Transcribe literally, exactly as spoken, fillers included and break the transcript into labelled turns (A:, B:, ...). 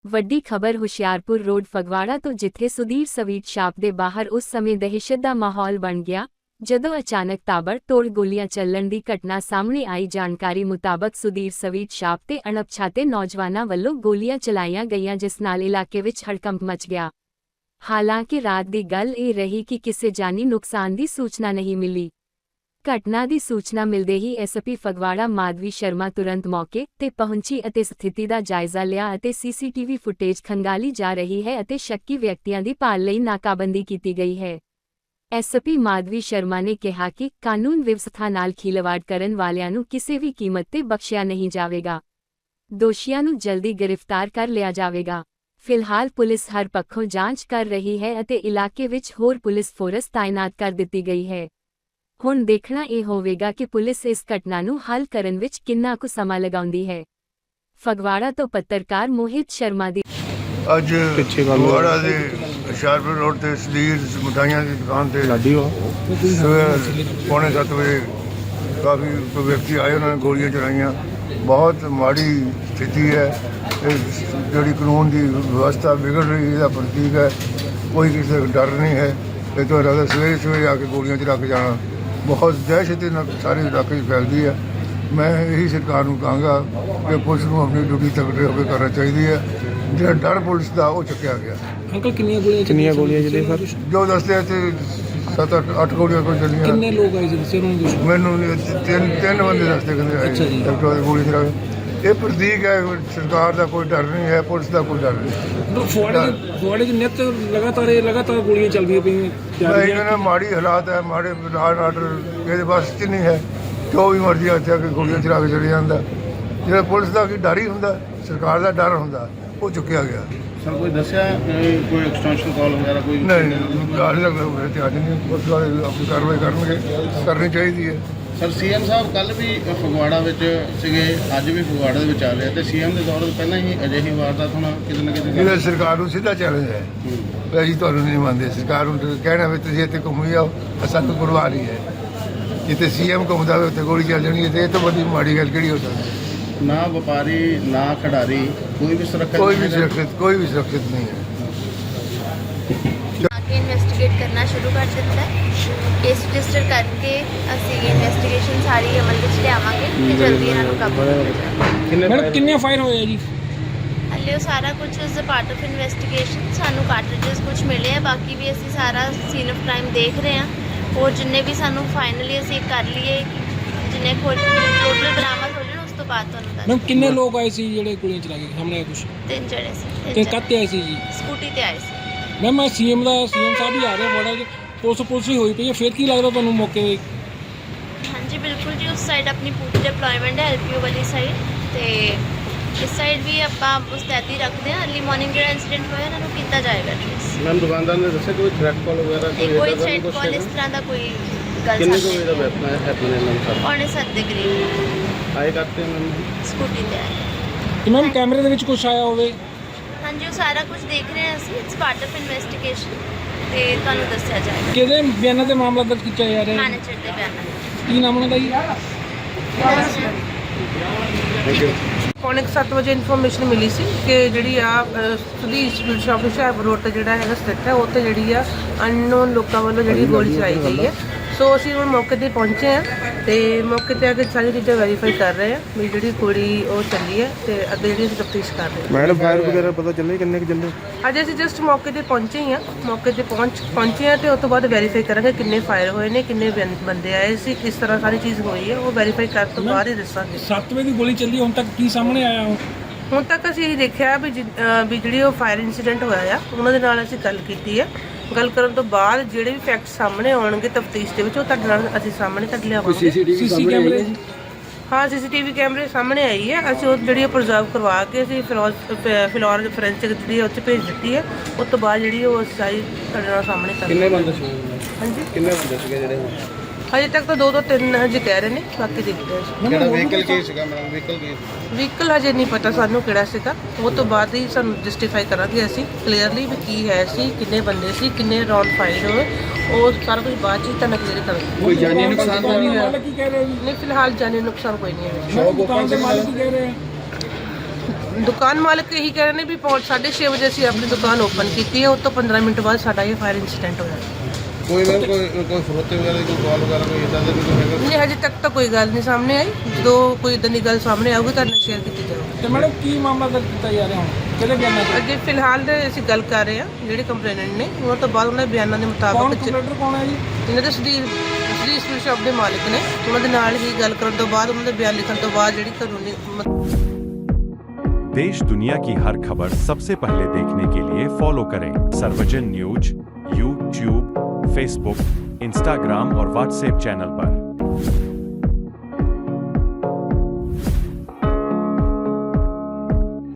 A: ਵੱਡੀ ਖਬਰ ਹੁਸ਼ਿਆਰਪੁਰ ਰੋਡ ਫਗਵਾੜਾ ਤੋਂ, ਜਿੱਥੇ ਸੁਧੀਰ ਸਵੀਟ ਸ਼ਾਪ ਦੇ ਬਾਹਰ ਉਸ ਸਮੇਂ ਦਹਿਸ਼ਤ ਦਾ ਮਾਹੌਲ ਬਣ ਗਿਆ ਜਦੋਂ ਅਚਾਨਕ ਤਾਬੜਤੋੜ ਗੋਲੀਆਂ ਚੱਲਣ ਦੀ ਘਟਨਾ ਸਾਹਮਣੇ ਆਈ। ਜਾਣਕਾਰੀ ਮੁਤਾਬਕ ਸੁਧੀਰ ਸਵੀਟ ਸ਼ਾਪ ਤੇ ਅਣਪਛਾਤੇ ਨੌਜਵਾਨਾਂ ਵੱਲੋਂ ਗੋਲੀਆਂ ਚਲਾਈਆਂ ਗਈਆਂ, ਜਿਸ ਨਾਲ ਇਲਾਕੇ ਵਿੱਚ ਹੜਕੰਪ ਮਚ ਗਿਆ। ਹਾਲਾਂਕਿ ਰਾਤ ਦੀ ਗੱਲ ਇਹ ਰਹੀ ਕਿ ਕਿਸੇ ਜਾਨੀ ਨੁਕਸਾਨ ਦੀ ਸੂਚਨਾ ਨਹੀਂ ਮਿਲੀ। ਘਟਨਾ ਦੀ ਸੂਚਨਾ ਮਿਲਦੇ ਹੀ ਐਸਪੀ ਫਗਵਾੜਾ ਮਾਧਵੀ ਸ਼ਰਮਾ ਤੁਰੰਤ ਮੌਕੇ ਤੇ ਪਹੁੰਚੀ ਅਤੇ ਸਥਿਤੀ ਦਾ ਜਾਇਜ਼ਾ ਲਿਆ ਅਤੇ ਸੀਸੀਟੀਵੀ ਫੁਟੇਜ ਖੰਗਾਲੀ ਜਾ ਰਹੀ ਹੈ ਅਤੇ ਸ਼ੱਕੀ ਵਿਅਕਤੀਆਂ ਦੀ ਭਾਲ ਲਈ ਨਾਕਾਬੰਦੀ ਕੀਤੀ ਗਈ ਹੈ। ਐਸਪੀ ਮਾਧਵੀ ਸ਼ਰਮਾ ਨੇ ਕਿਹਾ ਕਿ ਕਾਨੂੰਨ ਵਿਵਸਥਾ ਨਾਲ ਖਿਲਵਾੜ ਕਰਨ ਵਾਲਿਆਂ ਨੂੰ ਕਿਸੇ ਵੀ ਕੀਮਤ ਤੇ ਬਖਸ਼ਿਆ ਨਹੀਂ ਜਾਵੇਗਾ। ਦੋਸ਼ੀਆਂ ਨੂੰ ਜਲਦੀ ਗ੍ਰਿਫਤਾਰ ਕਰ ਲਿਆ ਜਾਵੇਗਾ। ਫਿਲਹਾਲ ਪੁਲਿਸ ਹਰ ਪੱਖੋਂ ਜਾਂਚ ਕਰ ਰਹੀ ਹੈ ਅਤੇ ਇਲਾਕੇ ਵਿੱਚ ਹੋਰ ਪੁਲਿਸ ਫੋਰਸ ਤਾਇਨਾਤ ਕਰ ਦਿੱਤੀ ਗਈ ਹੈ। ਹੁਣ ਦੇਖਣਾ ਇਹ ਹੋਵੇਗਾ ਕਿ ਪੁਲਿਸ ਇਸ ਘਟਨਾ ਨੂੰ ਹੱਲ ਕਰਨ ਵਿੱਚ ਕਿੰਨਾ ਕੁ ਸਮਾਂ ਲਗਾਉਂਦੀ ਹੈ। ਫਗਵਾੜਾ ਤੋਂ ਪੱਤਰਕਾਰ ਮੋਹਿਤ ਸ਼ਰਮਾ ਦੀ
B: ਅੱਜ ਫਗਵਾੜਾ ਦੇ ਹੁਸ਼ਿਆਰਪੁਰ ਰੋਡ ਤੇ ਸੁਧੀਰ ਮਿਠਾਈਆਂ ਦੀ ਦੁਕਾਨ ਤੇ ਸਵੇਰ ਪੌਣੇ ਸੱਤ ਵਜੇ ਕਾਫੀ ਵਿਅਕਤੀ ਆਏ, ਉਹਨਾਂ ਨੇ ਗੋਲੀਆਂ ਚਲਾਈਆਂ। ਬਹੁਤ ਮਾੜੀ ਸਥਿਤੀ ਹੈ। ਇਹ ਜਿਹੜੀ ਕਾਨੂੰਨ ਦੀ ਵਿਵਸਥਾ ਵਿਗੜ ਰਹੀ, ਇਹਦਾ ਪ੍ਰਤੀਕ ਹੈ। ਕੋਈ ਕਿਸੇ ਦਾ ਡਰ ਨਹੀਂ ਹੈ। ਇਹ ਤੋਂ ਇਲਾਵਾ ਸਵੇਰੇ ਸਵੇਰੇ ਆ ਕੇ ਗੋਲੀਆਂ ਚਲਾ ਕੇ ਜਾਣਾ ਬਹੁਤ ਦਹਿਸ਼ਤ ਨਾਲ ਸਾਰੇ ਇਲਾਕੇ 'ਚ ਫੈਲਦੀ ਹੈ। ਮੈਂ ਇਹੀ ਸਰਕਾਰ ਨੂੰ ਕਹਾਂਗਾ ਕਿ ਪੁਲਿਸ ਨੂੰ ਆਪਣੀ ਡਿਊਟੀ ਤਕੜੇ ਹੋ ਕੇ ਕਰਨਾ ਚਾਹੀਦੀ ਹੈ। ਜਿਹੜਾ ਡਰ ਪੁਲਿਸ ਦਾ ਉਹ ਚੁੱਕਿਆ ਗਿਆ।
C: ਅੰਕਲ ਕਿੰਨੀਆਂ ਗੋਲੀਆਂ
D: ਕਿੰਨੀਆਂ ਗੋਲੀਆਂ ਚੱਲੀਆਂ ਸਰ?
B: ਜੋ ਦੱਸਦੇ ਆ ਤੇ ਸੱਤ ਅੱਠ ਅੱਠ ਗੋਲੀਆਂ ਕੋਈ ਚੱਲੀਆਂ।
C: ਕਿੰਨੇ ਲੋਕ ਆਏ ਸੀ ਦੱਸਿਓ ਉਹਨਾਂ ਨੂੰ?
B: ਮੈਨੂੰ ਤਿੰਨ ਤਿੰਨ ਬੰਦੇ ਦੱਸਦੇ ਕਹਿੰਦੇ ਆਏ ਡਾਕਟਰ ਦੀ ਗੋਲੀ ਚਲਾ ਕੇ। ਇਹ ਪ੍ਰਤੀਕ ਹੈ ਸਰਕਾਰ ਦਾ ਕੋਈ ਡਰ ਨਹੀਂ ਹੈ, ਪੁਲਿਸ ਦਾ ਕੋਈ ਡਰ ਨਹੀਂ।
C: ਫਗਵਾੜੇ 'ਚ ਨਿੱਤ ਲਗਾਤਾਰ ਇਹ ਲਗਾਤਾਰ ਗੋਲੀਆਂ ਚੱਲਦੀਆਂ ਪਈਆਂ।
B: ਮੈਂ ਇਹਨਾਂ ਮਾੜੀ ਹਾਲਾਤ ਹੈ, ਮਾੜੇ ਲਾਅ ਆਰਡਰ ਇਹਦੇ ਬਸ 'ਚ ਨਹੀਂ ਹੈ। ਜੋ ਵੀ ਮਰਜ਼ੀ ਇੱਥੇ ਆ ਕੇ ਗੋਲੀਆਂ ਚਲਾ ਕੇ ਚਲੇ ਜਾਂਦਾ। ਜਿਹੜਾ ਪੁਲਿਸ ਦਾ ਕੀ ਡਰ ਹੀ ਹੁੰਦਾ, ਸਰਕਾਰ ਦਾ ਡਰ ਹੁੰਦਾ, ਉਹ ਚੁੱਕਿਆ ਗਿਆ।
D: ਸਰ ਕੋਈ ਦੱਸਿਆ ਕੋਈ ਐਕਸਟੈਂਸ਼ਨ ਕਾਲ ਵਗੈਰਾ ਕੋਈ?
B: ਨਹੀਂ, ਗੱਲ ਲੱਗਦਾ ਤੇ ਅੱਜ ਨਹੀਂ, ਪੁਲਿਸ ਵਾਲੇ ਆਪਣੀ ਕਾਰਵਾਈ ਕਰਨਗੇ, ਕਰਨੀ ਚਾਹੀਦੀ ਹੈ।
D: ਸਰ ਸੀਐਮ ਸਾਹਿਬ ਕੱਲ ਵੀ ਫਗਵਾੜਾ ਵਿੱਚ ਸੀਗੇ, ਅੱਜ ਵੀ ਫਗਵਾੜਾ ਦੇ ਵਿੱਚ ਆ ਰਹੇ ਤੇ ਸੀਐਮ ਦੇ ਦੌਰ ਤੋਂ ਪਹਿਲਾਂ ਹੀ ਅਜਿਹੀ ਵਾਰਦਾਤ ਹੋਣਾ ਕਿਤੇ ਨਾ ਕਿਤੇ
B: ਇਹਦਾ ਸਰਕਾਰ ਨੂੰ ਸਿੱਧਾ ਚੈਲੰਜ ਹੈ। ਅਸੀਂ ਤੁਹਾਨੂੰ ਨਹੀਂ ਮੰਨਦੇ। ਸਰਕਾਰ ਨੂੰ ਕਹਿਣਾ ਵੀ ਤੁਸੀਂ ਇੱਥੇ ਘੁੰਮੀ ਜਾਓ, ਸਾਨੂੰ ਪਰਵਾਹ ਨਹੀਂ ਹੈ। ਜਿੱਥੇ ਸੀਐਮ ਘੁੰਮਦਾ ਹੋਵੇ ਉੱਥੇ ਗੋਲੀ ਚੱਲ ਜਾਣੀ ਹੈ, ਤੇ ਇਹ ਤੋਂ ਵੱਡੀ ਮਾੜੀ ਗੱਲ ਕਿਹੜੀ ਹੋ ਸਕਦੀ?
D: ਨਾ ਵਪਾਰੀ ਨਾ ਖਿਡਾਰੀ ਕੋਈ ਵੀ ਸੁਰੱਖਿਅਤ
B: ਕੋਈ ਵੀ ਸੁਰੱਖਿਅਤ ਕੋਈ ਵੀ ਸੁਰੱਖਿਅਤ ਨਹੀਂ ਹੈ।
E: आगे इन्वेस्टिगेट करना शुरू कर दिता है। केस रजिस्टर करके ਅਸੀਂ ਇਨਵੈਸਟੀਗੇਸ਼ਨ ਸਾਰੀ ਅਮਲ ਵਿੱਚ ਲਿਆਵਾਂਗੇ ਤੇ ਜਲਦੀ ਇਹਨਾਂ ਨੂੰ ਕਾਬੂ ਕਰਾਂਗੇ।
C: ਮੈਡਮ ਕਿੰਨੇ ਫਾਇਰ ਹੋਏ ਆ ਜੀ?
E: ਹਲੇ ਉਹ ਸਾਰਾ ਕੁਝ ਇਸ ਪਾਰਟ ਆਫ ਇਨਵੈਸਟੀਗੇਸ਼ਨ ਸਾਨੂੰ ਕਾਰਟ੍ਰਿਜਸ ਕੁਝ ਮਿਲੇ ਆ, ਬਾਕੀ ਵੀ ਅਸੀਂ ਸਾਰਾ ਸੀਨ ਆਫ ਕ੍ਰਾਈਮ ਦੇਖ ਰਹੇ ਹਾਂ। ਹੋਰ ਜਿੰਨੇ ਵੀ ਸਾਨੂੰ ਫਾਈਨਲੀ ਅਸੀਂ ਕਰ ਲਈਏ, ਜਿੰਨੇ ਕੋਲ ਟੋਟਲ ਬਰਾਮਦ ਹੋ ਜਾਣ ਉਸ ਤੋਂ ਬਾਅਦ ਤੁਹਾਨੂੰ ਦੱਸ।
C: ਮੈਮ ਕਿੰਨੇ ਲੋਕ ਆਏ ਸੀ ਜਿਹੜੇ ਗੋਲੀਆਂ ਚਲਾ ਕੇ ਸਾਹਮਣੇ ਆਏ? ਕੁਝ
E: ਤਿੰਨ ਜਣੇ ਸੀ।
C: ਤੇ ਕੱਤੇ ਆਏ ਸੀ ਜੀ?
E: ਸਕੂਟੀ ਤੇ ਆਏ ਸੀ।
C: ਮੈਮ ਮੈਂ ਸੀਐਮ ਦਾ ਸੀਐਮ ਸਾਹਿਬ ਵੀ ਆ ਰਹੇ ਬੜਾ ਜੀ, ਪੁਲਿਸ ਪੁਲਿਸ ਹੀ ਹੋਈ ਪਈ ਹੈ। ਫਿਰ ਕੀ ਲੱਗਦਾ ਤੁਹਾਨੂੰ ਮੌਕੇ?
E: ਹਾਂਜੀ ਬਿਲਕੁਲ ਜੀ, ਉਸ ਸਾਈਡ ਆਪਣੀ ਪੂਰੀ ਡਿਪਲੋਇਮੈਂਟ ਹੈ ਐਲਪੀਓ ਵਾਲੀ ਸਾਈਡ, ਤੇ ਇਸ ਸਾਈਡ ਵੀ ਆਪਾਂ ਮੁਸਤੈਦੀ ਰੱਖਦੇ ਹਾਂ। ਅਰਲੀ ਮਾਰਨਿੰਗ ਜਿਹੜਾ ਇੰਸੀਡੈਂਟ ਹੋਇਆ ਇਹਨਾਂ ਨੂੰ ਕੀਤਾ ਜਾਏਗਾ ਟ੍ਰੇਸ।
D: ਮੈਮ ਦੁਕਾਨਦਾਰ ਨੇ ਦੱਸਿਆ ਕੋਈ ਥ੍ਰੈਟ ਕਾਲ ਵਗੈਰਾ
E: ਨਹੀਂ, ਕੋਈ ਥ੍ਰੈਟ ਕਾਲ ਇਸ ਤਰ੍ਹਾਂ ਦਾ ਕੋਈ ਗੱਲ
D: ਕਿੰਨੇ ਕੋਈ ਦਾ ਵੈਪਨ ਹੈ ਹੈਪਨ ਇਹਨਾਂ ਦਾ?
E: ਪੌਣੇ ਸੱਤ ਦੇ ਕਰੀਬ
D: ਆਏ ਕਰਤੇ ਮੈਮ
E: ਸਕੂਟੀ ਤੇ ਆਏ।
C: ਤੇ ਮੈਮ ਕੈਮਰੇ ਦੇ ਵਿੱਚ ਕੁਝ ਆਇਆ ਹੋਵੇ?
E: ਹਾਂਜੀ ਉਹ ਸਾਰਾ ਕੁਝ ਦੇਖ ਰਹੇ ਹਾਂ ਅਸੀਂ। ਇਟਸ ਪਾਰਟ ਆਫ ਇਨਵੈਸਟੀਗੇਸ਼ਨ ਤੇ ਤੁਹਾਨੂੰ ਦੱਸਿਆ ਜਾਏਗਾ।
C: ਕਿਹਦੇ ਬਿਆਨਾਂ ਤੇ ਮਾਮਲਾ ਦਰਜ ਕੀਤਾ ਜਾ ਰਿਹਾ ਹੈ?
E: ਮੈਨੇਜਰ ਦੇ ਬਿਆਨਾਂ
C: ਕੀ ਨਾਮ ਉਹਨਾਂ ਦਾ ਜੀ?
F: ਪੌਣੇ ਸੱਤ ਵਜੇ ਇਨਫੋਰਮੇਸ਼ਨ ਮਿਲੀ ਸੀ ਕਿ ਜਿਹੜੀ ਆ Sudhir sweet shop Hoshiarpur road ਤੇ ਜਿਹੜਾ ਹੈਗਾ ਸਥਿਤ ਹੈ, ਉੱਥੇ ਜਿਹੜੀ ਆ ਅਨਨੋਨ ਲੋਕਾਂ ਵੱਲੋਂ ਜਿਹੜੀ ਗੋਲੀ ਚਲਾਈ ਗਈ ਹੈ। ਸੋ ਅਸੀਂ ਹੁਣ ਮੌਕੇ ਤੇ ਪਹੁੰਚੇ ਹਾਂ ਤੇ ਮੌਕੇ ਤੇ ਆ ਕੇ ਸਾਰੀ ਚੀਜ਼ਾਂ ਵੈਰੀਫਾਈ ਕਰ ਰਹੇ ਹਾਂ ਵੀ ਜਿਹੜੀ ਗੋਲੀ ਉਹ ਚੱਲੀ ਹੈ ਤੇ ਅੱਗੇ ਜਿਹੜੀ ਅਸੀਂ ਤਫਤੀਸ਼ ਕਰ ਰਹੇ ਹਾਂ।
D: ਮੈਡਮ ਫਾਇਰ ਵਗੈਰਾ ਪਤਾ ਚੱਲੇ ਕਿੰਨੇ ਕੁ ਚੱਲੇ?
F: ਅੱਜ ਅਸੀਂ ਜਸਟ ਮੌਕੇ ਤੇ ਪਹੁੰਚੇ ਹੀ ਹਾਂ। ਮੌਕੇ ਤੇ ਪਹੁੰਚ ਪਹੁੰਚੇ ਹਾਂ ਤੇ ਉਸ ਤੋਂ ਬਾਅਦ ਵੈਰੀਫਾਈ ਕਰਾਂਗੇ ਕਿੰਨੇ ਫਾਇਰ ਹੋਏ ਨੇ, ਕਿੰਨੇ ਬੰ- ਬੰਦੇ ਆਏ ਸੀ, ਕਿਸ ਤਰ੍ਹਾਂ ਸਾਰੀ ਚੀਜ਼ ਹੋਈ ਹੈ, ਉਹ ਵੈਰੀਫਾਈ ਕਰਨ ਤੋਂ ਬਾਅਦ ਹੀ ਦੱਸਾਂਗੇ।
C: ਸੱਤ ਵਜੇ ਦੀ ਗੋਲੀ ਚੱਲੀ, ਹੁਣ ਤੱਕ ਕੀ ਸਾਹਮਣੇ ਆਇਆ?
F: ਹੁਣ ਤੱਕ ਅਸੀਂ ਇਹ ਦੇਖਿਆ ਵੀ ਜਿ- ਅਹ ਵੀ ਜਿਹੜੀ ਉਹ ਫਾਇਰ ਇਨਸੀਡੈਂਟ ਹੋਇਆ ਆ ਉਹਨਾਂ ਦੇ ਨਾਲ ਅਸੀਂ ਗੱਲ ਕੀਤੀ ਹੈ। ਗੱਲ ਕਰਨ ਤੋਂ ਬਾਅਦ ਜਿਹੜੇ ਵੀ ਫੈਕਟ ਸਾਹਮਣੇ ਆਉਣਗੇ ਤਫਤੀਸ਼ ਦੇ ਵਿੱਚ ਉਹ ਤੁਹਾਡੇ ਨਾਲ ਅਸੀਂ ਸਾਹਮਣੇ ਕੱਢ ਲਿਆਵਾਂਗੇ।
C: ਸੀਸੀ ਕੈਮਰੇ?
F: ਹਾਂ ਸੀਸੀਟੀਵੀ ਕੈਮਰੇ ਸਾਹਮਣੇ ਆਈ ਹੈ। ਅਸੀਂ ਉਹ ਜਿਹੜੀ ਪ੍ਰੀਜ਼ਰਵ ਕਰਵਾ ਕੇ ਅਸੀਂ ਫਿਲੋਰ ਫਿਲੋਰ ਫੋਰੈਂਸਿਕ ਜਿਹੜੀ ਉਹ 'ਚ ਭੇਜ ਦਿੱਤੀ ਹੈ। ਉਸ ਤੋਂ ਬਾਅਦ ਜਿਹੜੀ ਉਹ ਸਾਰੀ ਤੁਹਾਡੇ ਨਾਲ ਸਾਹਮਣੇ ਕਰ
D: ਕਿੰਨੇ ਬੰਦੇ ਸੀ?
F: ਹਾਂਜੀ
D: ਕਿੰਨੇ ਬੰਦੇ ਸੀਗੇ ਜਿਹੜੇ?
F: ਹਜੇ ਤੱਕ ਤਾਂ ਦੋ ਦੋ ਤਿੰਨ ਹਜੇ ਕਹਿ ਰਹੇ ਨੇ, ਬਾਕੀ ਦੇਖਦੇ ਹਾਂ।
D: ਕਿਹੜਾ ਵਹੀਕਲ ਕੀ ਸੀਗਾ ਮੈਡਮ? ਵਹੀਕਲ ਕੀ?
F: ਵਹੀਕਲ ਹਜੇ ਨਹੀਂ ਪਤਾ ਸਾਨੂੰ ਕਿਹੜਾ ਸੀਗਾ। ਉਹ ਤੋਂ ਬਾਅਦ ਹੀ ਸਾਨੂੰ ਜਸਟੀਫਾਈ ਕਰਾਂਗੇ ਅਸੀਂ ਕਲੀਅਰਲੀ ਵੀ ਕੀ ਹੈ ਸੀ, ਕਿੰਨੇ ਬੰਦੇ ਸੀ, ਕਿੰਨੇ ਰਾਉਂਡ ਫਾਇਰ ਹੋਏ, ਉਹ ਸਾਰਾ ਕੁਝ ਬਾਅਦ 'ਚ ਹੀ ਤੁਹਾਨੂੰ ਕਲੀਅਰ ਕਰਾਂਗੇ।
D: ਕੋਈ ਜਾਨੀ ਨੁਕਸਾਨ ਤਾਂ ਨਹੀਂ ਹੋਇਆ?
C: ਕੀ ਕਹਿ ਰਹੇ ਹੋ?
F: ਨਹੀਂ ਫਿਲਹਾਲ ਜਾਨੀ ਨੁਕਸਾਨ ਕੋਈ ਨਹੀਂ ਹੈ।
C: ਦੁਕਾਨ ਦੇ ਮਾਲਕ ਕੀ ਕਹਿ ਰਹੇ ਆ?
F: ਦੁਕਾਨ ਮਾਲਕ ਇਹੀ ਕਹਿ ਰਹੇ ਨੇ ਵੀ ਪੌਣ ਸਾਢੇ ਛੇ ਵਜੇ ਅਸੀਂ ਆਪਣੀ ਦੁਕਾਨ ਓਪਨ ਕੀਤੀ ਹੈ, ਉਸ ਤੋਂ ਪੰਦਰਾਂ ਮਿੰਟ ਬਾਅਦ ਸਾਡਾ ਇਹ ਫਾਇਰ ਇਨਸੀਡੈਂਟ ਹੋਇਆ।
D: ਕੋਈ ਮੈਮ ਕੋਈ ਕੋਈ ਫਰੋਤੇ ਵਗੈਰਾ ਦੀ ਕੋਈ ਕਾਲ ਵਗੈਰਾ ਕੋਈ ਇਦਾਂ ਦਾ ਵੀ ਕੋਈ ਹੈਗਾ?
F: ਨਹੀਂ, ਹਜੇ ਤੱਕ ਤਾਂ ਕੋਈ ਗੱਲ ਨਹੀਂ ਸਾਹਮਣੇ ਆਈ। ਜਦੋਂ ਕੋਈ ਇਦਾਂ ਦੀ ਗੱਲ ਸਾਹਮਣੇ ਆਊਗੀ ਤੁਹਾਡੇ ਨਾਲ ਸ਼ੇਅਰ ਕੀਤੀ ਜਾਊਗੀ।
C: ਤੇ ਮੈਡਮ ਕੀ ਮਾਮਲਾ ਦਰਜ ਕੀਤਾ ਜਾ ਰਿਹਾ ਹੁਣ, ਕਿਹਦੇ ਬਿਆਨਾਂ ਤੇ?
F: ਅੱਗੇ ਫਿਲਹਾਲ ਤੇ ਅਸੀਂ ਗੱਲ ਕਰ ਰਹੇ ਹਾਂ ਜਿਹੜੇ ਕੰਪਲੇਨੈਂਟ ਨੇ, ਉਹਨਾਂ ਤੋਂ ਬਾਅਦ ਉਹਨਾਂ ਦੇ ਬਿਆਨਾਂ ਦੇ
C: ਕੌਣ
F: ਮੁਤਾਬਕ
C: ਕੰਪਲੇਂਟਰ ਕੌਣ ਹੈ ਜੀ?
F: ਇਹਨਾਂ ਦੇ ਸੁਦੀਰ ਸੁਦੀਰ ਸਵੀਟ ਸ਼ਾਪ ਦੇ ਮਾਲਕ ਨੇ, ਉਹਨਾਂ ਦੇ ਨਾਲ ਹੀ ਗੱਲ ਕਰਨ ਤੋਂ ਬਾਅਦ ਉਹਨਾਂ ਦੇ ਬਿਆਨ ਲਿਖਣ ਤੋਂ ਬਾਅਦ ਜਿਹੜੀ ਕਾਨੂੰਨੀ
G: देश दुनिया की हर खबर सबसे पहले देखने के लिए फॉलो करें Sarvajan news YouTube, Facebook, Instagram और व्हाट्सएप चैनल पर।